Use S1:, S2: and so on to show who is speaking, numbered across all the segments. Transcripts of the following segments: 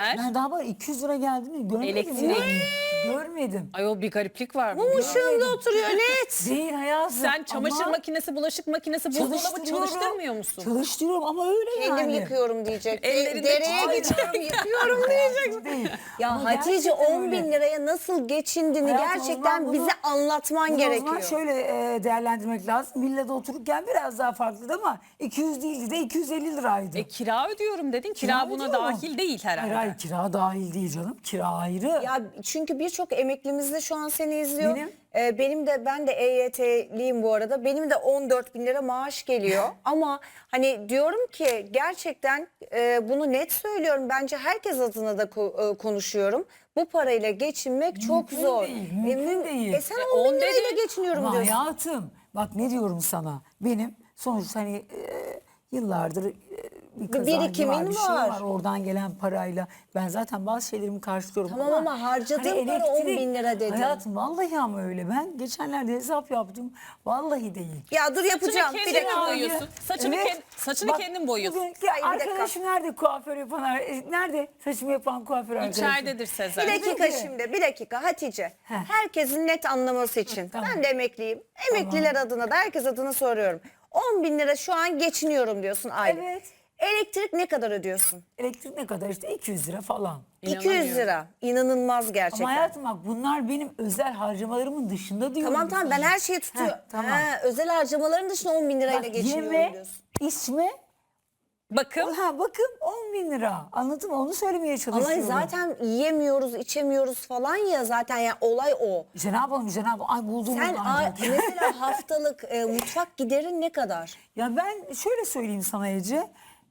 S1: yer.
S2: Ben daha var 200 lira geldi mi görmedim.
S1: Elektrik.
S2: Yani. Görmedim.
S1: Ayol bir gariplik var.
S3: Mum ışığında oturuyor net.
S2: Değil hayatım.
S1: Sen çamaşır
S2: ama
S1: makinesi, bulaşık makinesi, buzdolabı
S2: çalıştırıyorum.
S1: çalıştırmıyor musun?
S2: Çalıştırıyorum ama öyle
S3: Kendim
S2: yani.
S3: yıkıyorum diyecek.
S1: Ellerinde
S3: Dereye
S1: tutuyor.
S3: gidiyorum yıkıyorum diyecek.
S2: Değil.
S3: Ya
S2: Ama
S3: Hatice
S2: gerçekten
S3: 10 bin
S2: öyle.
S3: liraya nasıl geçindiğini
S2: Hayatım, o
S3: gerçekten
S2: zaman bunu-
S3: bize anlatman
S2: Bunu o zaman
S3: gerekiyor.
S2: şöyle değerlendirmek lazım. Villada otururken biraz daha farklıydı ama 200 değildi de 250 liraydı.
S1: Kira ödüyorum dedin. Kira buna
S2: ödüyorum.
S1: dahil değil herhalde.
S2: Hayır kira dahil değil canım. Kira ayrı.
S3: Ya çünkü birçok emeklimiz de şu an seni izliyor.
S2: Benim?
S3: Ben de EYT'liyim bu arada. Benim de 14 bin lira maaş geliyor. Ama hani diyorum ki gerçekten bunu net söylüyorum. Bence herkes adına da konuşuyorum. Bu parayla geçinmek çok
S2: Mümkün
S3: zor.
S2: değil, mümkün değil.
S3: Sen
S1: 10
S3: 10 bin lirayla
S1: dedi.
S3: geçiniyorum
S2: Ama
S3: diyorsun.
S2: hayatım bak ne diyorum sana. Benim sonuçta hani yıllardır bir kazancı
S3: birikimin
S2: var, bir şey
S3: var.
S2: var. Oradan gelen parayla ben zaten bazı şeylerimi karşılıyorum.
S3: Tamam ama harcadığın para 10 bin lira dedin.
S2: Hayatım vallahi ama öyle. Ben geçenlerde hesap yaptım. Vallahi değil.
S3: Ya dur yapacağım.
S1: Saçını
S3: Bir
S1: kendin
S3: dakika.
S1: boyuyorsun. Saçını
S2: Bak,
S1: kendin boyuyorsun.
S2: bugün
S3: Hayır, bir dakika.
S2: arkadaşım nerede kuaför yapan? Nerede saçımı yapan kuaför arkadaşım?
S1: İçeridedir Sezer.
S3: Bir dakika
S2: Peki.
S3: şimdi, bir dakika Hatice.
S2: Heh.
S3: Herkesin net anlaması için.
S2: Tamam.
S3: Ben de emekliyim. Emekliler adına da herkes adına soruyorum. 10 bin lira şu an geçiniyorum diyorsun aylık.
S2: Evet.
S3: Elektrik ne kadar ödüyorsun?
S2: Elektrik ne kadar işte 200 lira falan.
S3: 200 lira. İnanılmaz gerçekten.
S2: Ama hayatım bak bunlar benim özel harcamalarımın dışında diyorum.
S3: Tamam tamam ben her şeyi tutuyorum.
S2: Heh, tamam.
S3: Özel harcamaların dışında 10 bin lirayla
S2: Bak,
S3: geçiniyorum
S2: yeme,
S3: diyorsun.
S2: içme,
S1: Bakın.
S2: bakın 10 bin lira. Anladın mı? Onu söylemeye
S3: Ama
S2: çalışıyorum.
S3: zaten yiyemiyoruz, içemiyoruz falan ya zaten ya olay o.
S2: İşte ne yapalım işte ne yapalım. Ay bulduğumuz
S3: Sen
S2: ancak.
S3: mesela haftalık mutfak giderin ne kadar?
S2: Ya ben şöyle söyleyeyim sana Ece.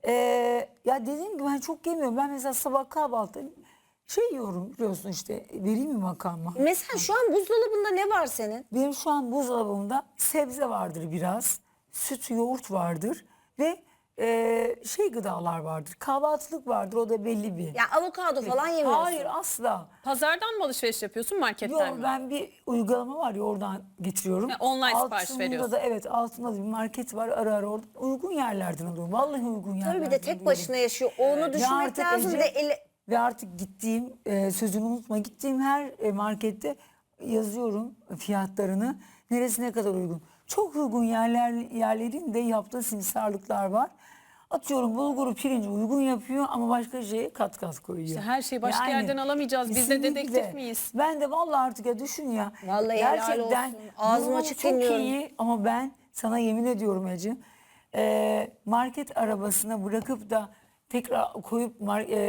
S2: Ya dediğim gibi ben çok yemiyorum. Ben mesela sabah kahvaltı yiyorum biliyorsun işte vereyim mi makarna?
S3: Mesela şu an buzdolabında ne var senin?
S2: Benim şu an buzdolabımda sebze vardır biraz. Süt, yoğurt vardır ve gıdalar vardır. Kahvaltılık vardır o da belli bir.
S3: Ya avokado falan yemiyorsun.
S2: Hayır asla.
S1: Pazardan mı alışveriş yapıyorsun, marketten
S2: Yok
S1: mi?
S2: ben bir uygulama var ya oradan getiriyorum.
S1: Ha, online sipariş
S2: Altında
S1: veriyorsun.
S2: da evet altında da bir market var ara ara orada. Uygun yerlerden alıyorum. Vallahi uygun yerlerden
S3: Tabii bir de tek
S2: alıyorum.
S3: başına yaşıyor. Onu
S2: Ve
S3: düşünmek
S2: artık
S3: lazım.
S2: Ece,
S3: Bir de
S2: ve artık gittiğim sözünü unutma gittiğim her markette yazıyorum fiyatlarını. Neresi ne kadar uygun. Çok uygun yerlerin de yaptığı simsarlıklar var. Atıyorum bulguru pirinci uygun yapıyor ama başka şeye kat koyuyor.
S1: İşte her şeyi başka yerden alamayacağız. Biz de
S2: kesinlikle.
S1: dedektif miyiz?
S2: Ben de vallahi artık ya düşün ya.
S3: Vallahi helal olsun. Ağzım
S2: durumum
S3: açık
S2: çok
S3: dinliyorum.
S2: iyi ama ben sana yemin ediyorum Ece. Market arabasına bırakıp da tekrar koyup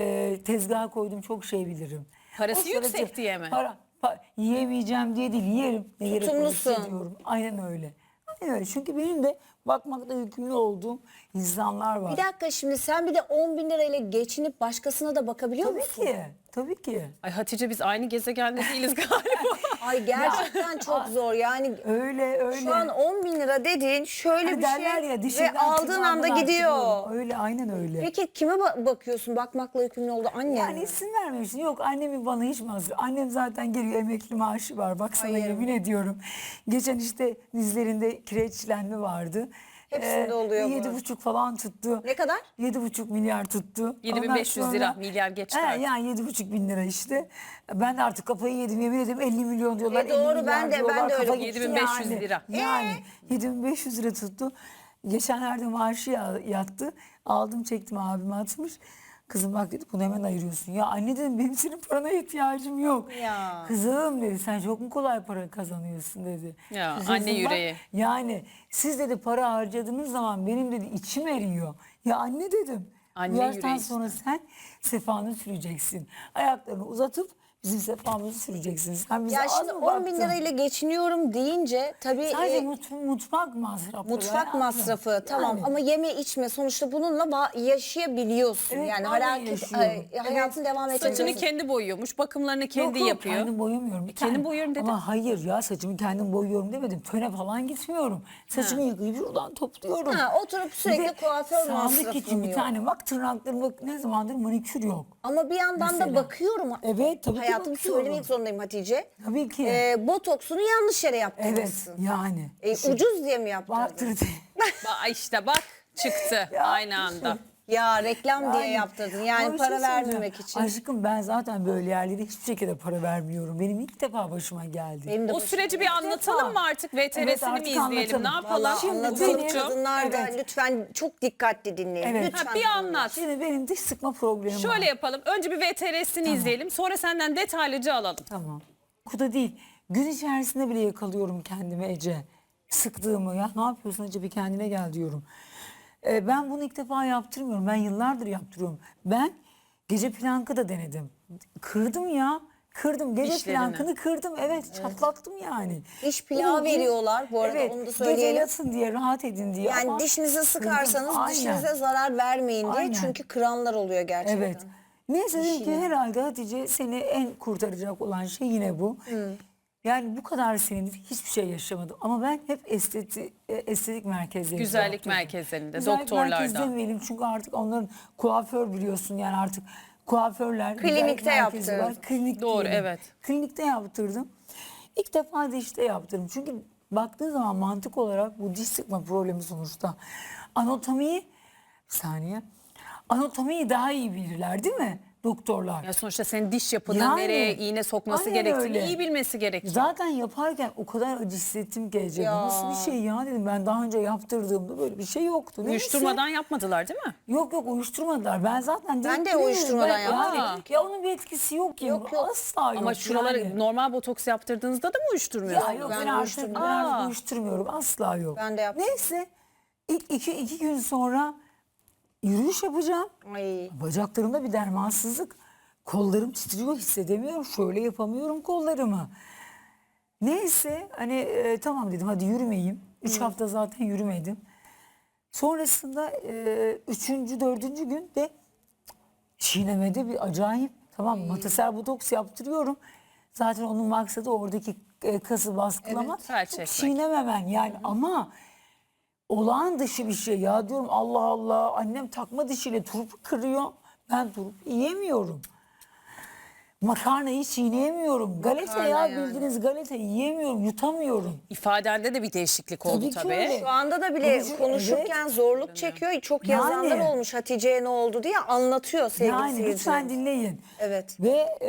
S2: tezgaha koydum çok şey bilirim.
S1: Parası
S2: O sırada
S1: yüksek diye mi?
S2: Yiyemeyeceğim diye değil yerim. Ne gerek
S3: Tutumlusun.
S2: olursa diyorum. Aynen öyle. Aynen öyle. Çünkü benim de bakmakta yükümlü olduğum insanlar var.
S3: bir dakika şimdi sen bir de 10 bin lirayla geçinip başkasına da bakabiliyor
S2: Tabii
S3: musun?
S2: ki. Tabii ki.
S1: Ay Hatice biz aynı gezegende değiliz galiba.
S3: Ay gerçekten çok zor yani.
S2: Öyle.
S3: Şu an 10 bin lira dediğin şöyle
S2: Hani
S3: bir
S2: derler
S3: şey
S2: ya,
S3: ve
S2: dişinden
S3: aldığın
S2: tırnağından
S3: anda gidiyor.
S2: arttırıyorum. Öyle aynen öyle.
S3: Peki kime bakıyorsun? Bakmakla yükümlü oldu anne.
S2: Yani isim vermemişsin. Yok annemin bana hiç masrafı. Annem zaten geliyor emekli maaşı var. Bak sana
S3: Hayır.
S2: yemin ediyorum. Geçen işte dizlerinde kireçlenme vardı.
S3: Hepsinde oluyor bu.
S2: 7,5 falan tuttu.
S3: Ne kadar?
S2: 7,5 milyar tuttu.
S1: 7500
S2: Ondan
S1: lira,
S2: sonra-
S1: milyar geçti
S2: He,
S1: artık.
S2: yani 7,5 bin lira işte. Ben de artık kafayı yedim yemin ederim 50 milyon diyorlar. 50
S3: doğru,
S2: milyar
S3: ben de
S2: diyorlar.
S3: öyle
S2: Kafa
S3: buldum.
S2: gitti
S1: 7500
S2: yani.
S1: lira.
S2: Yani 7500 lira tuttu. Geçenlerde maaşı yattı. Aldım çektim abime atmış. Kızım bak dedi bunu hemen ayırıyorsun. Ya anne dedim benim senin parana ihtiyacım yok.
S3: Ya.
S2: Kızım dedi sen çok mu kolay para kazanıyorsun dedi.
S1: Ya,
S2: Kızım,
S1: anne
S2: bak,
S1: yüreği.
S2: yani siz dedi para harcadığınız zaman benim dedi içim eriyor. Ya anne dedim.
S1: Anne
S2: Bu yaştan
S1: yüreği
S2: sonra sen sefanı süreceksin. Ayaklarını uzatıp bizim sefamızı süreceksin. Sen bize
S3: Ya
S2: az
S3: şimdi
S2: mı
S3: 10 bin
S2: baktın?
S3: lirayla geçiniyorum deyince tabii
S2: Sadece mutfak masrafı.
S3: mutfak masrafı tamam ama yeme içme sonuçta bununla yaşayabiliyorsun.
S2: Evet,
S3: yani
S2: vallahi yaşıyorum.
S3: hayatın devam
S1: Saçını
S3: ettireceksin.
S1: kendi boyuyormuş, bakımlarını kendi yapıyor.
S2: Kendim boyamıyorum. Bir
S1: Kendim
S2: tane.
S1: boyuyorum dedin.
S2: Ama hayır ya saçımı kendim boyuyorum demedim. Töne falan gitmiyorum. Saçımı yıkayıp şuradan topluyorum.
S3: Ha, oturup sürekli
S2: Bir de
S3: kuaför
S2: sağlık
S3: masrafı
S2: için bir
S3: yok.
S2: tane bak tırnaklarım ne zamandır manikür yok.
S3: Ama bir yandan da
S2: Mesela.
S3: bakıyorum.
S2: Evet, tabii ki
S3: Hayatım
S2: bakıyorum.
S3: söylemek zorundayım Hatice.
S2: Tabii ki.
S3: Botoksunu yanlış yere
S2: Evet
S3: yaptırmışsın.
S2: yani.
S3: Ucuz diye mi yaptırdın?
S2: Vardır diye.
S1: İşte bak çıktı
S2: Ya,
S1: aynı anda.
S3: Ya reklam diye yaptırdın. Yani
S2: Ama bir
S3: para
S2: şey söyleyeceğim.
S3: vermemek için.
S2: Aşkım ben zaten böyle yerlere hiçbir şekilde para vermiyorum. Benim ilk defa başıma geldi.
S3: Benim de
S1: O
S3: başıma
S1: süreci bir
S3: geldi.
S1: anlatalım mı artık? VTR'sini
S2: Evet,
S1: mi
S2: artık
S1: izleyelim?
S2: anlatalım.
S1: Ne yapalım?
S3: Vallahi
S2: Şimdi
S3: anlatalım.
S2: benim-
S3: Kadınlar da
S2: Evet.
S3: lütfen çok dikkatli dinleyin.
S2: Evet.
S3: Lütfen.
S1: Ha, bir anlat.
S2: Şimdi benim diş sıkma problemim
S1: Şöyle
S2: var.
S1: yapalım. Önce bir VTR'sini izleyelim. Sonra senden detaylıca alalım.
S2: Tamam. Kuda değil. Gün içerisinde bile yakalıyorum kendimi Ece. Sıktığımı. Ya ne yapıyorsun Ece, bir kendine gel diyorum. Ben bunu ilk defa yaptırmıyorum. Ben yıllardır yaptırıyorum. Ben gece plankı da denedim. Kırdım ya. Kırdım. Gece
S1: Dişlerini.
S2: plankını kırdım. Evet, çatlattım yani.
S3: Diş plağı veriyorlar bu arada, onu da
S2: Gece
S3: söyleyelim.
S2: yatın diye, rahat edin diye.
S3: Yani
S2: ama
S3: dişinizi sıkarsanız
S2: kırdım. Aynen.
S3: dişinize zarar vermeyin diye.
S2: Aynen.
S3: Çünkü kıranlar oluyor gerçekten.
S2: Evet. Neyse dedim ki herhalde Hatice, seni en kurtaracak olan şey yine bu. Yani bu kadar senedir hiçbir şey yaşamadım. Ama ben hep estetik merkezlerinde
S1: Güzellik
S2: yaptırdım.
S1: merkezlerinde,
S2: Güzellik
S1: doktorlarda.
S2: merkezi demeyelim çünkü artık onların kuaför biliyorsun, yani artık kuaförler. güzellik
S3: Klinikte
S2: merkezi var.
S3: yaptırdın.
S2: Klinik
S1: Doğru,
S2: diyelim.
S1: evet.
S2: Klinikte yaptırdım. İlk defa dişte yaptırdım. Çünkü baktığın zaman mantık olarak bu diş sıkma problemi sonuçta. Anatomiyi, bir saniye. Anatomiyi daha iyi bilirler değil mi doktorlar?
S1: Ya sonuçta senin diş yapını,
S2: Yani,
S1: nereye iğne sokması
S2: aynen
S1: gerektiğini
S2: öyle.
S1: iyi bilmesi gerekiyor.
S2: Zaten yaparken o kadar acı hissettim ki Ece. Bu
S3: Ya.
S2: nasıl bir şey ya dedim. Ben daha önce yaptırdığımda böyle bir şey yoktu. Neyse.
S1: Uyuşturmadan yapmadılar değil mi?
S2: Yok uyuşturmadılar. Ben zaten
S3: Ben de
S2: direkt biliyorum.
S3: uyuşturmadan yaptım.
S2: Yani, ya onun bir etkisi yok ya.
S3: Yok, yok.
S2: Asla yok.
S1: Ama şuraları
S2: yani.
S1: normal botoks yaptırdığınızda da mı uyuşturmuyorsunuz?
S2: Ya yok,
S3: Ben
S2: ben artık,
S3: uyuşturmuyorum.
S2: ben artık
S1: Aa.
S2: uyuşturmuyorum. Asla yok.
S3: Ben de yaptım.
S2: Neyse ilk iki gün sonra yürüyüş yapacağım.
S3: Ay.
S2: Bacaklarımda bir dermansızlık. Kollarım titriyor, hissedemiyorum. Şöyle yapamıyorum kollarımı. Neyse hani tamam dedim, hadi yürümeyeyim. 3 hafta zaten yürümedim. Sonrasında 3. 4. gün de çiğnemede bir acayip, tamam matasel botoks yaptırıyorum. Zaten onun maksadı oradaki kası baskılamak.
S1: Evet, felç etmek.
S2: Çiğnememen yani, ama olağan dışı bir şey ya, diyorum Allah Allah, annem takma dişiyle turpu kırıyor. Ben turp yiyemiyorum. Makarnayı çiğneyemiyorum. Galeta ya,
S3: yani.
S2: bildiğiniz galeta yiyemiyorum, yutamıyorum.
S1: İfadende de bir değişiklik oldu
S2: Tabii ki
S1: tabii.
S2: öyle.
S3: Şu anda da bile
S2: Konuşur-
S3: konuşurken zorluk çekiyor. Çok yazanlar
S2: Yani.
S3: olmuş, Hatice'ye ne oldu diye anlatıyor sevgili
S2: Yani
S3: seyirciler.
S2: lütfen dinleyin.
S3: Evet.
S2: Ve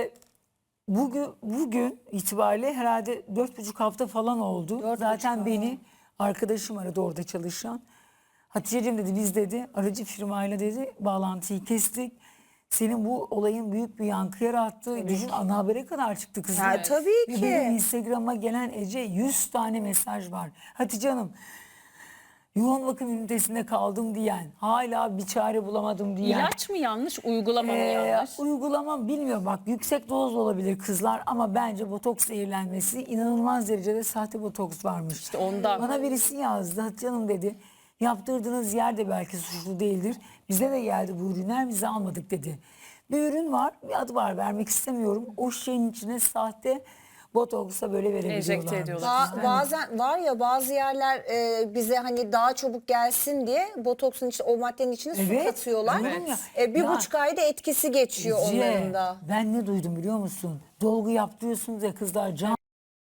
S2: bugün itibariyle herhalde 4,5 hafta falan oldu. Zaten beni arkadaşım aradı, orada çalışan. Hatice'cim dedi, biz dedi aracı firmayla dedi bağlantıyı kestik. Senin bu olayın büyük bir yankı yarattı. Düşün, ana habere kadar çıktı kızım.
S3: Ya, tabii
S2: Ve
S3: ki.
S2: benim Instagram'a gelen Ece 100 tane mesaj var. Hatice Hanım, yoğun bakım ünitesinde kaldım diyen, hala bir çare bulamadım diyen.
S1: İlaç mı yanlış, uygulama mı yanlış?
S2: Uygulama bilmiyorum, bak yüksek doz olabilir kızlar, ama bence botoks zehirlenmesi, inanılmaz derecede sahte botoks varmış.
S1: İşte ondan.
S2: Bana birisi yazdı, Hatice Hanım dedi, yaptırdığınız yer de belki suçlu değildir. Bize de geldi bu ürünler, bize almadık dedi. Bir ürün var, bir adı var, vermek istemiyorum. O şeyin içine sahte botoksa böyle verebiliyorlar.
S1: ediyorlar.
S3: Bazen var ya, bazı yerler bize hani daha çabuk gelsin diye botoksun içine, o maddenin içine su
S2: Evet,
S3: katıyorlar.
S2: diyorum ya.
S3: Bir
S2: Ya,
S3: buçuk ayda etkisi geçiyor
S2: Ece,
S3: onların da.
S2: ben ne duydum biliyor musun? Dolgu yaptırıyorsunuz ya kızlar, can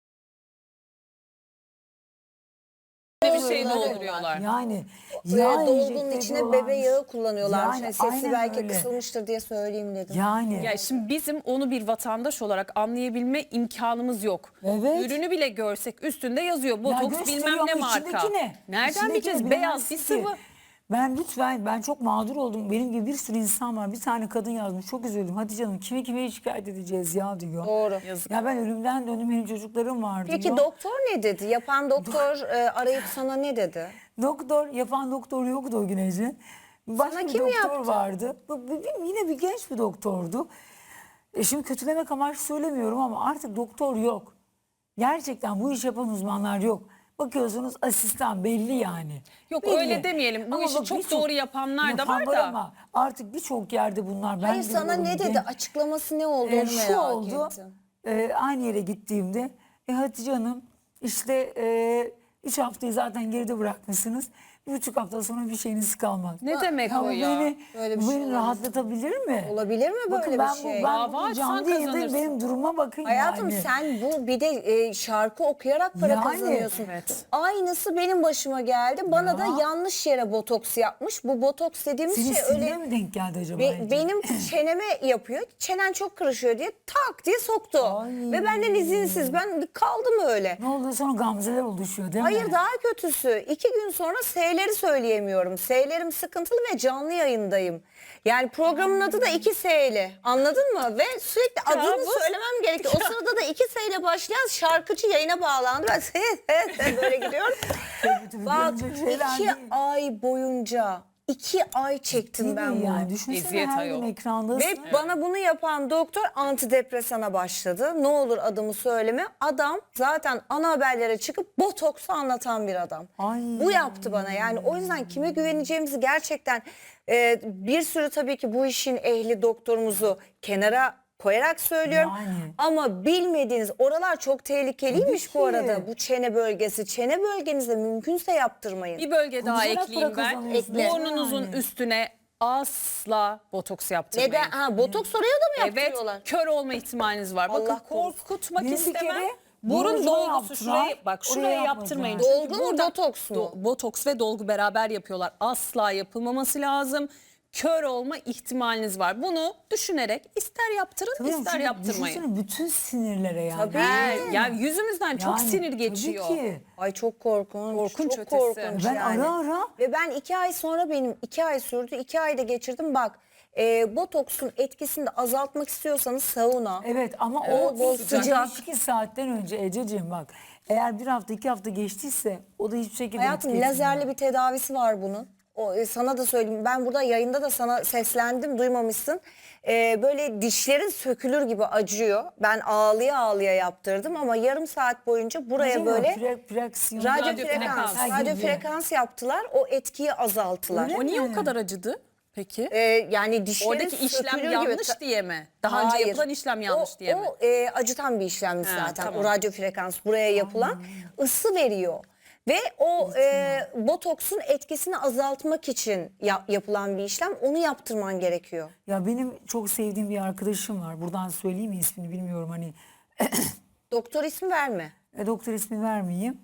S1: Bir şey dolduruyorlar.
S2: yani
S3: Dolgunun
S2: enjekte
S3: içine
S2: ediyorlarmış.
S3: bebe yağı kullanıyorlar.
S2: Yani
S3: Sesi
S2: aynen
S3: belki
S2: öyle.
S3: kısılmıştır diye söyleyeyim dedim.
S2: Yani
S1: Ya şimdi bizim onu bir vatandaş olarak anlayabilme imkanımız yok.
S2: Evet.
S1: Ürünü bile görsek üstünde yazıyor.
S2: ya
S1: Botoks
S2: gösteriyor
S1: bilmem ne
S2: ama
S1: marka.
S2: içindeki ne?
S1: Nereden
S2: İçindeki
S1: bileceğiz?
S2: ne?
S1: Beyaz bir
S2: Bilemezsin ki.
S1: sıvı.
S2: Ben çok mağdur oldum. Benim gibi bir sürü insan var. Bir tane kadın yazmış. Çok üzüldüm. Hadi canım, kime şikayet edeceğiz ya diyor.
S3: Doğru.
S1: Yazık.
S2: Ya ben ölümden döndüm, benim çocuklarım var
S3: Peki
S2: diyor.
S3: doktor ne dedi? Yapan doktor arayıp sana ne dedi?
S2: Yapan doktor yoktu o gün Ece. Başka
S3: Sana
S2: bir
S3: kim
S2: doktor
S3: yaptı?
S2: vardı. Yine bir genç bir doktordu. Şimdi kötülemek amaçlı söylemiyorum ama artık doktor yok. Gerçekten bu iş yapan uzmanlar yok. Bakıyorsunuz asistan belli yani.
S1: Yok,
S2: Belli.
S1: öyle demeyelim. Bu
S2: Ama
S1: işi
S2: bak,
S1: çok
S2: birçok
S1: doğru yapanlar da var
S2: yapan
S1: da.
S2: Ama artık birçok yerde bunlar. Ben
S3: Hayır, sana
S2: görüyorum,
S3: ne dedi?
S2: genç-
S3: Açıklaması ne oldu onu
S2: şu
S3: merak
S2: oldu.
S3: ettim.
S2: Aynı yere gittiğimde Hatice Hanım işte 3 haftayı zaten geride bırakmışsınız. 1,5 hafta sonra bir şeyiniz kalmaz.
S1: Ne demek
S2: Ya
S1: o
S2: bu
S1: ya?
S2: Beni,
S3: Böyle bir
S2: bu
S3: şey
S2: beni
S3: olamaz.
S2: rahatlatabilir mi?
S3: Olabilir mi böyle
S2: Bakın
S3: bir
S2: ben
S3: şey?
S2: ben
S1: Dava
S2: bu
S1: açsan
S2: canlı yayındayım,
S1: kazanırsın.
S2: benim duruma bakın
S3: Hayatım
S2: yani.
S3: sen bu bir de şarkı okuyarak para
S2: Yani,
S3: kazanıyorsun.
S1: evet.
S3: Aynısı benim başıma geldi. Bana
S2: Ya.
S3: da yanlış yere botoks yapmış. Bu botoks dediğimiz
S2: Senin
S3: şey
S2: siline
S3: öyle
S2: mi denk geldi acaba? Ece?
S3: benim çeneme yapıyor. Çenen çok kırışıyor diye tak diye soktu.
S2: Ay.
S3: Ve benden izinsiz. Ben kaldım öyle.
S2: Ne oluyor sonra gamzeler oluşuyor değil mi?
S3: Hayır daha kötüsü. 2 gün sonra S'leri söyleyemiyorum. S'lerim sıkıntılı ve canlı yayındayım. Yani programın adı da 2 S'li. Anladın mı? Ve sürekli adını söylemem gerekiyor. O sırada da 2 S ile başlayan şarkıcı yayına bağlandı. Ben böyle gidiyorum. Bak
S2: görünecek şeyler
S3: 2
S2: değil.
S3: ay boyunca 2 ay çektim
S2: Değil
S3: ben
S2: mi
S3: bunu.
S2: yani? Düşünsene
S1: Eziyet
S2: her
S1: ayol.
S2: gün ekrandasın.
S3: Ve bana bunu yapan doktor antidepresana başladı. Ne olur adımı söyleme. Adam zaten ana haberlere çıkıp botoksu anlatan bir adam.
S2: Ay.
S3: Bu yaptı bana. Yani o yüzden kime güveneceğimizi gerçekten bir sürü tabii ki bu işin ehli doktorumuzu kenara koyarak söylüyorum.
S2: Yani.
S3: Ama bilmediğiniz oralar çok tehlikeliymiş
S2: Tabii
S3: bu
S2: ki.
S3: arada. Bu çene bölgesi. Çene bölgenizde mümkünse yaptırmayın.
S1: Bir bölge daha
S2: Konuşarak
S1: ekleyeyim
S2: para
S1: ben.
S2: kazanıyorsunuz
S1: Burnunuzun
S2: yani.
S1: üstüne asla botoks yaptırmayın.
S3: Neden? Ha, botoks oraya da mı
S1: Evet,
S3: yaptırıyorlar?
S1: kör olma ihtimaliniz var. Bakın
S3: Allah korusun.
S1: korkutmak
S2: Benim bir
S1: istemem.
S2: kere
S1: Burun
S2: burnunuza
S1: dolgusu
S2: yaptılar,
S1: şuraya bak
S2: oraya
S1: şuraya
S2: yapmadılar.
S1: yaptırmayın.
S3: Dolgu
S1: Çünkü
S3: mu,
S1: burada
S3: botoks mu?
S1: Botoks ve dolgu beraber yapıyorlar. Asla yapılmaması lazım. Kör olma ihtimaliniz var. Bunu düşünerek ister yaptırın
S2: Tabii
S1: ister
S2: çünkü
S1: yaptırmayın.
S2: düşünsene bütün sinirlere yani.
S3: Tabii.
S1: Yani yüzümüzden çok
S2: Yani,
S1: sinir
S2: tabii
S1: geçiyor.
S2: ki.
S3: Ay çok korkunç.
S1: Korkunç
S3: çok
S1: ötesi.
S3: korkunç
S2: Ben
S3: yani.
S2: ara
S3: Ve ben 2 ay sonra benim 2 ay sürdü. 2 ayda geçirdim. Bak botoksun etkisini de azaltmak istiyorsanız sauna.
S2: Evet ama
S3: Bol bol
S2: o
S3: sıcak.
S2: 2 saatten önce Ececiğim bak. Eğer 1 hafta 2 hafta geçtiyse o da hiçbir şekilde
S3: Hayatım
S2: etki etmiyor.
S3: lazerli bir tedavisi var bunun. Sana da söyleyeyim. Ben burada yayında da sana seslendim. Duymamışsın. Böyle dişlerin sökülür gibi acıyor. Ben ağlıya ağlıya yaptırdım ama yarım saat boyunca buraya
S2: Acaba
S3: böyle
S2: fraksiyon.
S3: radyo frekans,
S2: Ha,
S3: radyo
S2: gibi.
S3: frekans yaptılar. O etkiyi azalttılar.
S2: Öyle
S1: O niye
S2: mi?
S1: o kadar acıdı peki?
S3: Yani dişlerin
S1: Oradaki işlem
S3: sökülür
S1: yanlış
S3: gibi.
S1: diye mi? Daha önce
S3: Hayır.
S1: yapılan işlem yanlış diye mi?
S3: O acıtan bir işlemmiş
S1: Ha,
S3: zaten.
S1: tamam.
S3: O radyo frekans buraya yapılan ısı veriyor. Ve o botoksun etkisini azaltmak için yapılan bir işlem. Onu yaptırman gerekiyor.
S2: Ya benim çok sevdiğim bir arkadaşım var. Buradan söyleyeyim mi ismini bilmiyorum hani.
S3: Doktor ismi verme.
S2: Doktor ismi vermeyeyim.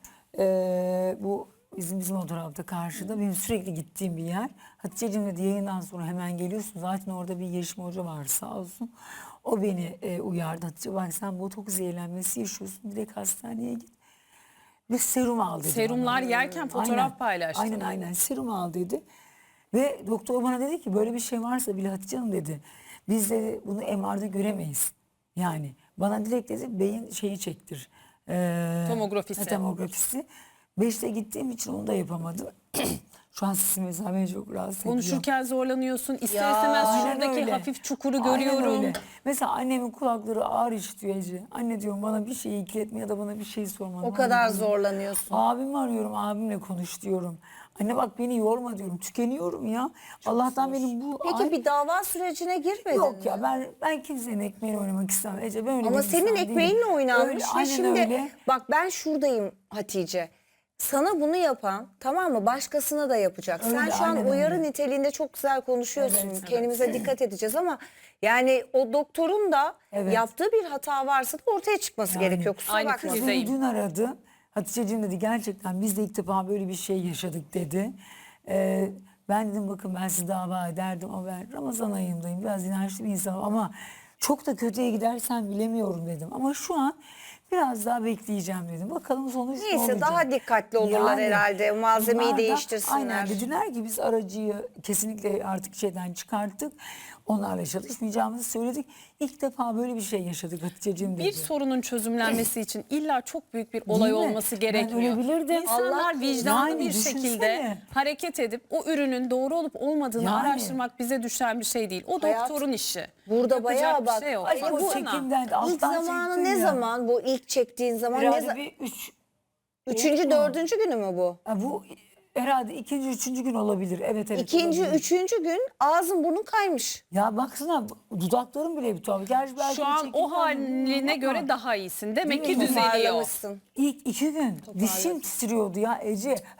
S2: Bu bizim o tarafta karşıda benim sürekli gittiğim bir yer. Hatice'cim dedi yayından sonra hemen geliyorsun. Zaten orada bir Yeşim Hoca var sağ olsun. O beni uyardı. Hatice bak sen botoks zehirlenmesi yaşıyorsun. Direkt hastaneye git. Ve serum al dedi.
S1: Serumlar
S2: bana.
S1: yerken fotoğraf paylaştı.
S2: Aynen serum al dedi. Ve doktor bana dedi ki böyle bir şey varsa bile Hatice Hanım dedi. Biz de bunu MR'da göremeyiz. Yani bana direkt dedi beyin şeyi çektir.
S1: Tomografisi.
S2: Tomografisi. 5'te gittiğim için onu da yapamadım. Şu an sesim mesela beni çok rahatsız ediyor.
S1: Konuşurken zorlanıyorsun. İster
S3: Ya,
S1: istemez
S2: Aynen
S1: şuradaki
S2: öyle.
S1: hafif çukuru
S2: Aynen
S1: görüyorum.
S2: öyle. Mesela annemin kulakları ağır işitiyor Ece. Anne diyorum bana bir şey ikiletme ya da bana bir şey sorma.
S3: O kadar zorlanıyorsun.
S2: Abimi arıyorum, abimle konuş diyorum. Anne bak beni yorma diyorum. Tükeniyorum ya. Allah'tan benim bu...
S3: Peki bir dava sürecine girmedin
S2: Yok
S3: mi?
S2: ya ben kimsenin ekmeğiyle oynamak istemem. Ece ben öyle
S3: Ama
S2: bir
S3: senin
S2: insan
S3: ekmeğinle
S2: değilim.
S3: oynanmış
S2: Öyle,
S3: ve
S2: aynen
S3: şimdi
S2: öyle.
S3: bak ben şuradayım Hatice. Sana bunu yapan tamam mı başkasına da yapacak.
S2: Öyle,
S3: Sen şu an
S2: aynen
S3: uyarı
S2: öyle.
S3: niteliğinde çok güzel konuşuyorsun.
S2: Evet,
S3: Kendimize dikkat edeceğiz ama yani o doktorun da
S2: Evet.
S3: yaptığı bir hata varsa da ortaya çıkması gerekiyor. Kusura
S1: Aynı
S3: bakma.
S1: kriz.
S2: Beni dün aradı. Hatice'cim dedi gerçekten biz de ilk defa böyle bir şey yaşadık dedi. Ben dedim bakın ben sizi dava ederdim ama ben Ramazan ayındayım. Biraz inançlı bir insanım ama çok da kötüye gidersen bilemiyorum dedim. Ama şu an biraz daha bekleyeceğim dedim. Bakalım sonuç ne
S3: Neyse
S2: olacak.
S3: daha dikkatli olurlar herhalde. Malzemeyi
S2: bunlar da
S3: değiştirsinler.
S2: Aynen dediler ki biz aracıyı kesinlikle artık şeyden çıkarttık. Onlarla çalışmayacağımızı söyledik. İlk defa böyle bir şey yaşadık Hatice'cim dedi.
S1: Bir sorunun çözümlenmesi için illa çok büyük bir olay
S2: Değil mi?
S1: olması
S2: Ben
S1: gerekmiyor.
S2: ölebilirdim.
S1: İnsanlar
S2: Allah-
S1: vicdanlı
S2: Yani
S1: bir
S2: düşünsene.
S1: şekilde hareket edip o ürünün doğru olup olmadığını
S2: Yani.
S1: araştırmak bize düşen bir şey değil. O
S3: Hayat,
S1: doktorun işi.
S3: Burada
S1: Yapacak
S3: bayağı
S1: bir
S3: bak.
S1: şey yok.
S2: Ay, bu
S1: Baksana.
S2: çekimden
S3: İlk
S2: alttan
S3: zamanı
S2: çektin
S3: ne
S2: ya.
S3: zaman bu ilk çektiğin zaman ne
S2: Herhalde
S3: zaman?
S2: bir
S3: Üçüncü, dördüncü günü mü bu?
S2: bu herhalde ikinci, üçüncü gün olabilir. Evet
S3: İkinci,
S2: olabilir.
S3: üçüncü gün ağzın burnun kaymış.
S2: Ya baksana dudaklarım bile bir tuhaf. Gerçi belki
S1: Şu
S2: bu
S1: an
S2: çekimden
S1: o haline
S2: bilmiyorum ama
S1: göre daha iyisin. Demek ki
S2: Değil mi?
S1: düzeliyor.
S3: Toparlamışsın.
S2: İlk 2 gün dişim titriyordu ya Ece.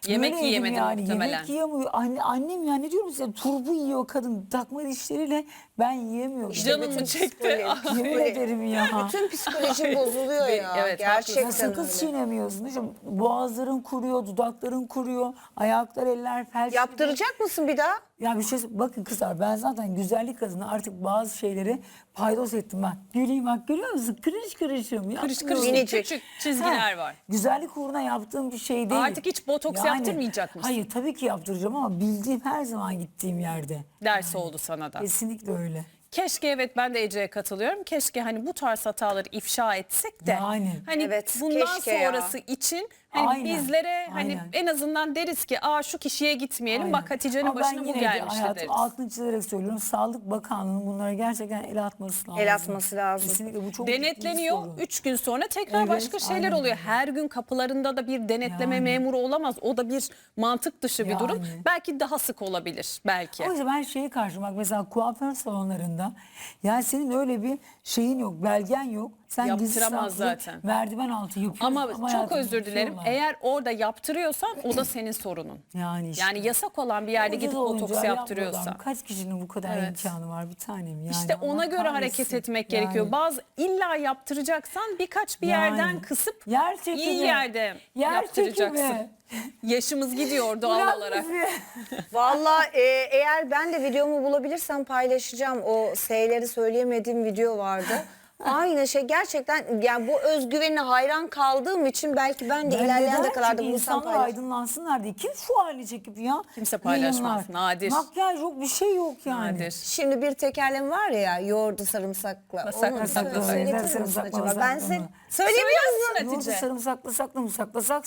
S1: Yemek
S2: Öyleydim
S1: yiyemedi muhtemelen.
S2: Yemek yiyemiyor. Annem ya ne diyorum size, turbu yiyor kadın takma dişleriyle, ben yiyemiyorum.
S1: Canımı çekti.
S2: Yemin ederim ya.
S3: Bütün psikolojim bozuluyor ya.
S1: Evet,
S3: Gerçekten
S2: Ya sakız
S3: öyle.
S2: çiğnemiyorsun. İşte boğazların kuruyor, dudakların kuruyor, ayaklar, eller felç. gibi.
S3: Yaptıracak mısın bir daha?
S2: Ya bir şey bakın kızlar, ben zaten güzellik adına artık bazı şeyleri paydos ettim ben. Güleyim bak, görüyor musun? Kırış kırışım.
S1: Kırış
S2: yapmıyorum.
S1: kırış
S3: Minicik.
S1: küçük çizgiler
S2: Ha,
S1: var.
S2: Güzellik uğruna yaptığım bir şey değil.
S1: Artık hiç botoks yaptırmayacak mısın?
S2: Hayır tabii ki yaptıracağım ama bildiğim her zaman gittiğim yerde.
S1: Ders oldu sana da.
S2: Kesinlikle öyle.
S1: Keşke, evet, ben de Ece'ye katılıyorum. Keşke hani bu tarz hataları ifşa etsek de
S2: Yani.
S1: hani
S3: Evet,
S1: bundan
S3: keşke ya.
S1: sonrası için hani
S2: Aynen,
S1: bizlere hani
S2: aynen.
S1: en azından deriz ki şu kişiye gitmeyelim.
S2: Aynen.
S1: Bak Hatice'nin
S2: Ama ben
S1: başına bu
S2: yine de
S1: gelmişti
S2: hayatım
S1: deriz.
S2: altını çizerek söylüyorum. Sağlık Bakanlığı'nın bunlara gerçekten el atması lazım.
S3: El atması lazım.
S2: Kesinlikle bu çok ciddi bir
S1: Denetleniyor.
S2: sorun.
S1: 3 gün sonra tekrar
S2: Evet,
S1: başka şeyler
S2: aynen
S1: oluyor.
S2: öyle.
S1: Her gün kapılarında da bir denetleme
S2: Yani.
S1: memuru olamaz. O da bir mantık dışı bir durum.
S2: Yani.
S1: Belki daha sık olabilir. Belki.
S2: O yüzden ben şeye karşı, bak mesela kuaför salonlarında, yani senin öyle bir şeyin yok, belgen yok. Sen gizli
S1: Yaptıramaz
S2: saklı
S1: zaten.
S2: merdiven altı yapıyorsun.
S1: Ama çok
S2: hayatım
S1: özür dilerim.
S2: yapıyorlar.
S1: Eğer orada yaptırıyorsan o da senin sorunun.
S2: Yani işte.
S1: Yani yasak olan bir yerde
S2: Ucuz
S1: gidip
S2: olunca
S1: botoks
S2: yapmıyorlar.
S1: yaptırıyorsa.
S2: Kaç kişinin bu kadar
S1: Evet.
S2: imkanı var bir tanem yani.
S1: İşte
S2: Allah
S1: ona göre
S2: kahretsin.
S1: hareket etmek
S2: Yani.
S1: gerekiyor. Bazı illa yaptıracaksan birkaç bir
S2: Yani.
S1: yerden kısıp
S2: Yer çekimi.
S1: iyi yerde
S2: Yer
S1: yaptıracaksın.
S2: çekimi.
S1: Yaşımız gidiyor doğal
S2: Bırak
S1: olarak.
S2: bizi.
S3: Vallahi eğer ben de videomu bulabilirsem paylaşacağım. O S'leri söyleyemediğim video vardı. Aynı şey gerçekten, yani bu özgüvenine hayran kaldığım için belki ben de ilerleyen
S2: neden?
S3: dakikalarda
S2: Çünkü
S3: bunu
S2: insanlar
S3: paylaşacağım.
S2: aydınlansınlar diye. Kim şu hali çekip ya?
S1: Kimse paylaşmaz,
S2: Yayınlar.
S1: nadir.
S2: Makyaj yok, bir şey yok yani.
S1: Nadir.
S3: Şimdi bir tekerlem var ya, yoğurdu sarımsakla.
S1: Sarımsakla,
S3: Onu
S1: sarımsakla.
S3: söyletir misin
S2: Sarımsakla,
S3: acaba? Ben
S2: sarımsakla
S3: size
S2: mı?
S3: söyleyemiyorsun.
S1: Hatice.
S2: Yoğurdu sarımsaklı saklı mı saklasak,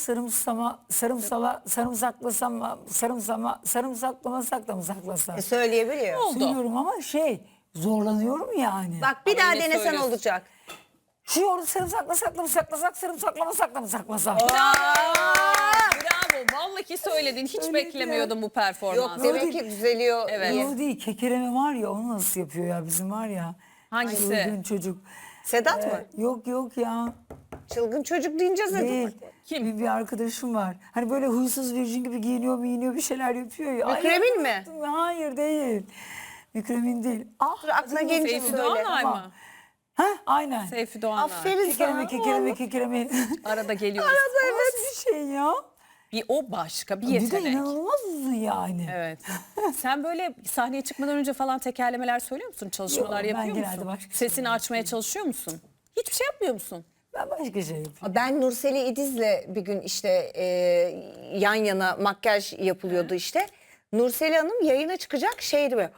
S2: sarımsaklama sakla mı saklasak?
S3: Söyleyebiliyor.
S1: Oldu.
S2: Söylüyorum ama zorlanıyorum yani.
S3: Bak bir
S1: Ama
S3: daha
S1: yine
S3: denesen
S1: söylüyorsun.
S3: olacak.
S2: Şu yoğurdu sarımsaklı saklı mı saklasak, sarımsaklama sakla mı saklasak?
S1: Bravo. Vallahi söyledin. Hiç
S2: Söyledim.
S1: beklemiyordum bu
S3: Yok
S1: performansı.
S3: demek ki düzeliyor.
S1: Evet.
S3: diye.
S2: O değil, kekeleme var ya, onu nasıl yapıyor ya bizim var ya.
S1: Hangisi?
S2: Çılgın çocuk.
S3: Sedat mı?
S2: Yok ya.
S3: Çılgın çocuk deyince Sedat.
S2: Değil.
S1: Kim?
S2: Bir arkadaşım var. Hani böyle huysuz virjin gibi giyiniyor bir şeyler yapıyor ya. Ay,
S3: Mükremin mi?
S2: unuttum ya. Hayır değil. Mükremin değil. Ah,
S3: Dur, aklına
S2: adını
S3: gelince
S1: Seyfi
S3: söyle.
S1: Doğanay
S2: Tamam.
S1: mı?
S2: Ha aynen.
S1: Seyfi Doğanay.
S3: Aferin sana.
S2: Kekeleme.
S1: Arada geliyoruz.
S2: Nasıl bir şey ya?
S1: Bir o başka bir
S2: Bir de
S1: yetenek.
S2: inanılmaz uzun yani.
S1: Evet. Sen böyle sahneye çıkmadan önce falan tekerlemeler söylüyor musun? Çalışmalar
S2: Yok, ben
S1: yapıyor
S2: genelde
S1: musun?
S2: başka
S1: Sesini
S2: şeyler
S1: açmaya çalışıyor musun? Hiçbir şey yapmıyor musun?
S2: Ben başka şey yapıyorum.
S3: Ben Nurseli İdiz'le bir gün işte yan yana makyaj yapılıyordu işte. Nurseli Hanım yayına çıkacak şeydi böyle.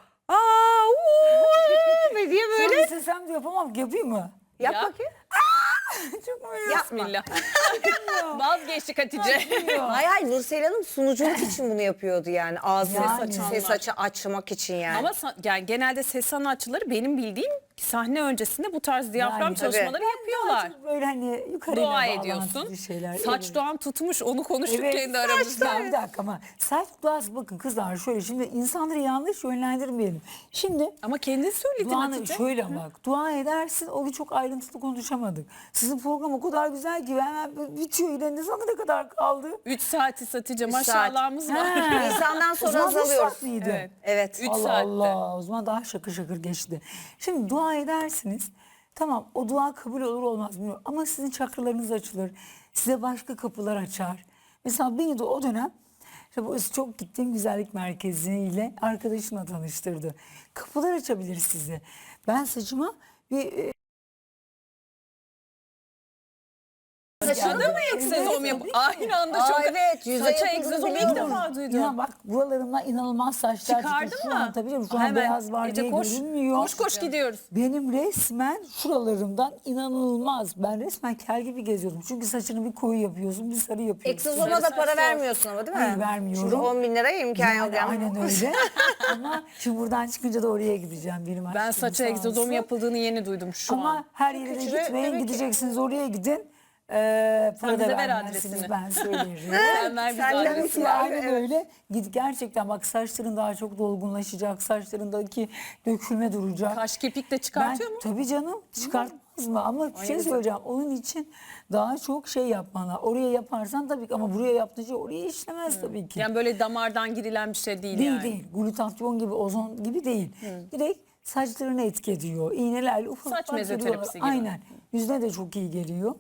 S3: Ve diye böyle.
S2: Böyle istesem de yapamam. Yapayım mı?
S3: Yap
S1: Yap.
S3: bakayım.
S2: Çok mu
S3: Yapma.
S1: Bismillah. Vazgeçtik Hatice.
S3: Hayır Nurseli Hanım sunuculuk için bunu yapıyordu yani. Ağzını
S2: Yani.
S3: ses açı açmak için yani.
S1: Ama yani genelde ses sanatçıları benim bildiğim sahne öncesinde bu tarz diyafram
S2: Yani.
S1: çalışmaları yapıyorlar.
S2: Çok böyle hani yukarıya
S1: Dua
S2: bağlantılı
S1: ediyorsun.
S2: şeyler.
S1: Saç
S2: Evet.
S1: doğan tutmuş, onu konuştuk
S2: Evet,
S1: kendi aramızda.
S2: saçlar. Bir dakika ama saç duası, bakın kızlar şöyle, şimdi insanları yanlış yönlendirmeyelim. Şimdi
S1: Ama kendin söyledin
S2: duanı
S1: Hatice.
S2: şöyle bak, dua edersin, o gün çok ayrıntılı konuşamadık. Sizin program o kadar güzel ki hemen bitiyor, ilerinde sana ne kadar kaldı?
S1: 3 saati Hatice,
S3: saat.
S1: maşallahımız var.
S2: Ha.
S3: Nisan'dan
S2: O
S3: sonra
S2: zaman üç
S3: azalıyoruz.
S2: saat miydi?
S1: Evet.
S3: Evet.
S1: 3
S2: Allah
S1: saatte.
S2: Allah, o zaman daha şakır şakır geçti. Şimdi dua edersiniz. Tamam, o dua kabul olur olmaz bilmiyorum. Ama sizin çakralarınız açılır. Size başka kapılar açar. Mesela beni de o dönem işte bu çok gittiğim güzellik merkeziyle arkadaşımla tanıştırdı. Kapılar açabilir size. Ben saçıma bir
S1: Saçına mı egzozom yap? Aynı anda çok.
S3: Evet, yüzeye
S1: Saça
S3: yapıldığını
S1: egzozomu ilk
S3: biliyorum.
S1: defa duydum.
S2: ya bak, buralarımdan inanılmaz saçlar
S1: Çıkardın
S2: çıktı. Şu
S1: mı?
S2: an tabii canım, şu an
S1: Hemen.
S2: beyaz var
S1: Ece
S2: diye
S1: koş.
S2: görünmüyor.
S1: Koş koş gidiyoruz.
S2: Benim resmen şuralarımdan inanılmaz. Ben resmen kel gibi geziyordum. Çünkü saçını bir koyu yapıyorsun, bir sarı yapıyorsun.
S3: Egzozoma da para vermiyorsun ama değil mi?
S2: Hayır, vermiyorum.
S3: Şimdi 10 bin liraya imkan yok.
S2: Yani aynen öyle. Ama şimdi buradan çıkınca da oraya gideceğim. Benim
S1: Ben
S2: aşkım
S1: saça
S2: sağ
S1: egzozom
S2: olsun.
S1: yapıldığını yeni duydum şu
S2: Ama
S1: an.
S2: her yere de
S3: Küçüğü
S2: gitmeyin.
S3: demek ki-
S2: Gideceksiniz, oraya gidin. Para
S1: bize
S2: da
S1: ver
S2: vermezsiniz,
S1: adresini.
S2: ben söylerim.
S1: Sen ver bize
S3: Senden
S1: adresi.
S3: ısrar.
S2: Aynen
S3: Evet.
S2: öyle. Git gerçekten, bak saçların daha çok dolgunlaşacak. Saçlarındaki dökülme duracak.
S1: Kaş kepik de çıkartıyor mu?
S2: Tabii canım, çıkartmaz olmaz mı? Ama bir şey söyleyeceğim. Onun için daha çok şey yapman lazım. Oraya yaparsan tabii ki, ama buraya yaptığın şey oraya işlemez tabii ki.
S1: Yani böyle damardan girilen bir şey değil,
S2: Değil
S1: yani.
S2: değil. Glutatyon gibi, ozon gibi değil. Direkt saçlarını etki ediyor. İğnelerle ufak
S1: Saç
S2: ufak
S1: mezoterapisi
S2: giriyorlar.
S1: gibi.
S2: Aynen. Yüzüne de çok iyi geliyor.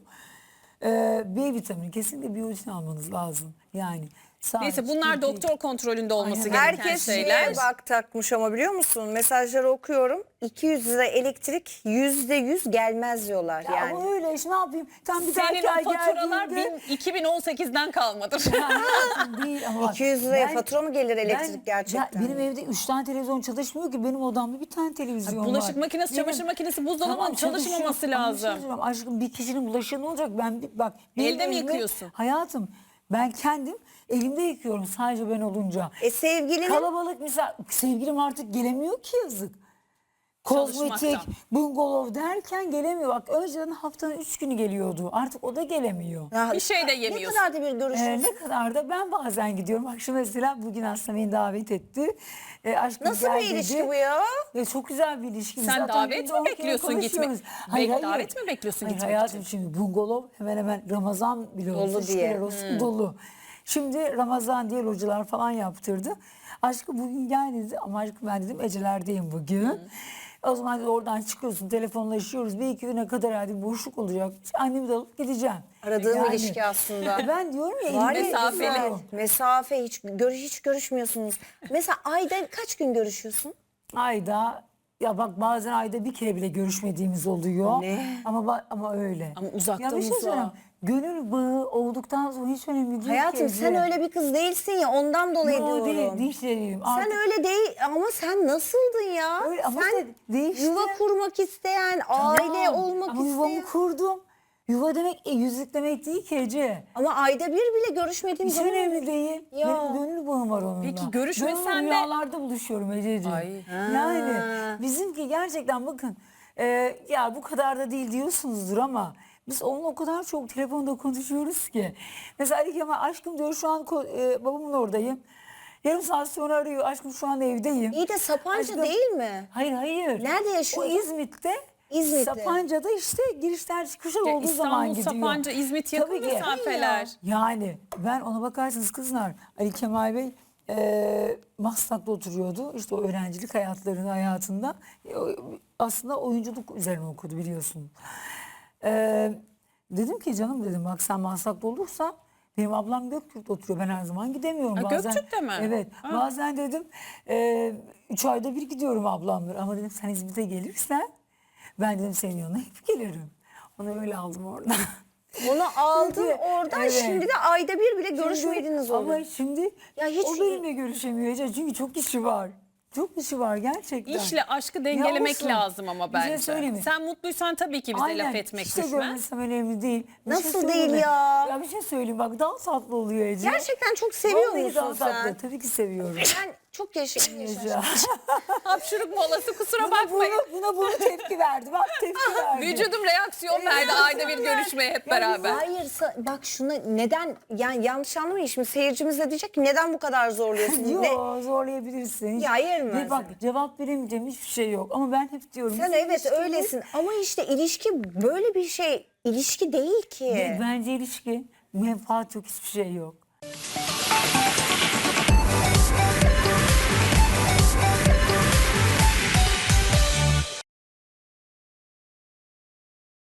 S2: B vitamini, kesinlikle biyotin almanız lazım. Yani
S1: Neyse bunlar doktor kontrolünde olması
S2: Aynen.
S1: gereken
S3: Herkes
S1: şeyler.
S3: şeye bak takmış ama biliyor musun? Mesajları okuyorum. 200 lira elektrik %100 gelmez diyorlar
S2: Ya
S3: yani.
S2: ama öyle işte, ne yapayım? Tam bir
S1: Senin
S2: dahaki
S1: o
S2: ay
S1: faturalar
S2: geldiğinde-
S1: 2018'den kalmadır.
S2: Hayatım değil ama bak,
S3: 200 liraya
S2: ben-
S3: fatura mı gelir elektrik
S2: ben-
S3: gerçekten?
S2: Ya benim evde 3 tane televizyon çalışmıyor ki, benim odamda bir tane televizyon var.
S1: Bulaşık makinesi,
S2: Benim-
S1: çamaşır makinesi, buzdolabının
S2: Tamam,
S1: çalışmaması
S2: çalışıyor. Ama bir şey
S1: lazım.
S2: söyleyeyim, aşkım bir kişinin bulaşığı ne olacak? Bak benim
S1: Elde mi
S2: evime-
S1: yıkıyorsun?
S2: Hayatım ben kendim elimde yıkıyorum sadece ben olunca.
S3: Sevgilinin
S2: Kalabalık misal, sevgilim artık gelemiyor ki, yazık. Kozmetik,
S1: Çalışmaktan.
S2: bungalov derken gelemiyor. Bak önceden haftanın 3 günü geliyordu. Artık o da gelemiyor.
S3: Ya,
S1: Bir şey de
S3: ne
S1: yemiyorsun.
S3: kadar da bir görüşürüz.
S2: Ne kadar da ben bazen gidiyorum. Bak şu mesela bugün aslında beni davet etti. Aşkım
S3: Nasıl
S2: gel
S3: bir ilişki
S2: dedi.
S3: bu ya?
S2: Çok güzel bir ilişki.
S1: Sen
S2: Zaten
S1: davet
S2: günde
S1: mi
S2: 10 kere
S1: bekliyorsun gitmek?
S2: konuşuyoruz.
S1: Davet mi bekliyorsun
S2: Hayır,
S1: gitmek
S2: hayatım şimdi bungalov hemen hemen Ramazan bile
S3: Dolu
S2: olsa
S3: diye.
S2: şükürler olsun dolu. Şimdi Ramazan diye hocalar falan yaptırdı. Aşkım bugün gel dedi, ama aşkım ben dedim Eceler'deyim bugün. O zaman dedi, oradan çıkıyorsun, telefonlaşıyoruz. Bir iki güne kadar hadi boşluk olacak. Annemi de alıp gideceğim.
S3: Aradığım ilişki aslında.
S2: Ben diyorum ya,
S3: Var
S2: elimde
S3: ya,
S1: mesafeli.
S3: güzel. Mesafe hiç görüşmüyorsunuz. Mesela ayda kaç gün görüşüyorsun?
S2: ayda, ya bak bazen ayda bir kere bile görüşmediğimiz oluyor.
S3: Ne?
S2: Ama öyle.
S1: Ama uzaktan
S2: Ya bir şey
S1: uzağa.
S2: söyleyeyim. Gönül bağı olduktan sonra hiç önemli değil
S3: Hayatım
S2: ki.
S3: sen öyle bir kız değilsin ya, ondan dolayı
S2: Yo,
S3: diyorum.
S2: değil değilim.
S3: Sen
S2: Artık
S3: öyle değil ama sen nasıldın ya?
S2: Öyle ama
S3: sen
S2: işte değişti.
S3: yuva kurmak isteyen, aile
S2: Tamam,
S3: olmak
S2: ama yuvamı
S3: isteyen.
S2: kurdum. Yuva demek yüzük demek değil ki Ece.
S3: Ama ayda bir bile görüşmediğim
S2: Hiç
S3: zaman.
S2: önemli değil.
S3: Ya.
S2: Benim gönül bağım var onunla.
S1: Peki görüşmesen
S2: Ben onunla
S1: de-
S2: rüyalarda buluşuyorum Ececiğim.
S1: Ay.
S2: Yani bizimki gerçekten bakın ya bu kadar da değil diyorsunuzdur ama biz onunla o kadar çok telefonda konuşuyoruz ki. Mesela Ali Kemal, aşkım diyor şu an babamın oradayım. Yarım saat sonra arıyor, aşkım şu an evdeyim.
S3: İyi de Sapanca
S2: Aşkım-
S3: değil mi?
S2: Hayır.
S3: Nerede
S2: O
S3: yaşıyordun?
S2: İzmit'te.
S3: İzmit'te.
S2: Sapanca'da işte girişler çıkışlar
S1: Ya
S2: olduğu zaman
S1: İstanbul,
S2: gidiyor.
S1: Sapanca, İzmit yakın
S2: Tabii ki.
S1: mesafeler.
S2: Yani ben ona bakarsınız kızlar, Ali Kemal Bey Maslak'ta oturuyordu. İşte o öğrencilik hayatında aslında oyunculuk üzerine okudu biliyorsun. Dedim ki canım dedim, bak sen Maslak'ta olursa benim ablam Göktürk'te oturuyor. Ben her zaman gidemiyorum.
S1: Ha, Göktürk'te mi?
S2: Evet.
S1: Ha.
S2: Bazen dedim 3 ayda bir gidiyorum ablamlar. Ama dedim sen İzmit'e gelirsen ben dedim senin yanına hep gelirim. Onu öyle aldım oradan.
S3: Onu aldın
S2: Çünkü-
S3: oradan,
S2: evet.
S3: şimdi de ayda bir bile görüşmediğiniz oluyor.
S2: Ama şimdi
S3: Ya hiç-
S2: o benimle görüşemiyor Ece. Çünkü çok işi var. Çok işi var gerçekten.
S1: İşle aşkı dengelemek
S2: olsun.
S1: lazım ama
S2: Bir şey
S1: bence.
S2: söyleyeyim mi?
S1: Sen mutluysan tabii ki bize
S2: Aynen.
S1: laf etmek
S2: İşte
S1: düşmez.
S2: görmesem önemli değil. Bir
S3: Nasıl
S2: söyleyeyim
S3: değil
S2: mi?
S3: ya?
S2: Ya bir şey söyleyeyim bak, daha tatlı oluyor Ece.
S3: Gerçekten çok seviyor
S2: Vallahi
S3: musun
S2: daha tatlı.
S3: sen?
S2: Tabii ki seviyorum.
S3: Ben çok yaşadım.
S2: Ece.
S1: Hapşuruk molası, kusura
S2: Buna,
S1: bakmayın.
S2: buna tepki verdi. Bak tepki verdi.
S1: Vücudum reaksiyon verdi ayda bir görüşmeye hep beraber.
S3: Hayır bak şuna neden, yani yanlış anlamayın, şimdi seyircimiz de diyecek ki neden bu kadar zorluyorsun?
S2: Yok, zorlayabilirsin.
S3: Ya yerim ben
S2: Ve bak cevap veremeyeceğim hiçbir şey yok. Ama ben hep diyorum.
S3: Sen
S2: bizim
S3: evet
S2: ilişkimiz-
S3: öylesin ama işte ilişki böyle bir şey, ilişki değil ki.
S2: Bence ilişki menfaat yok, hiçbir şey yok.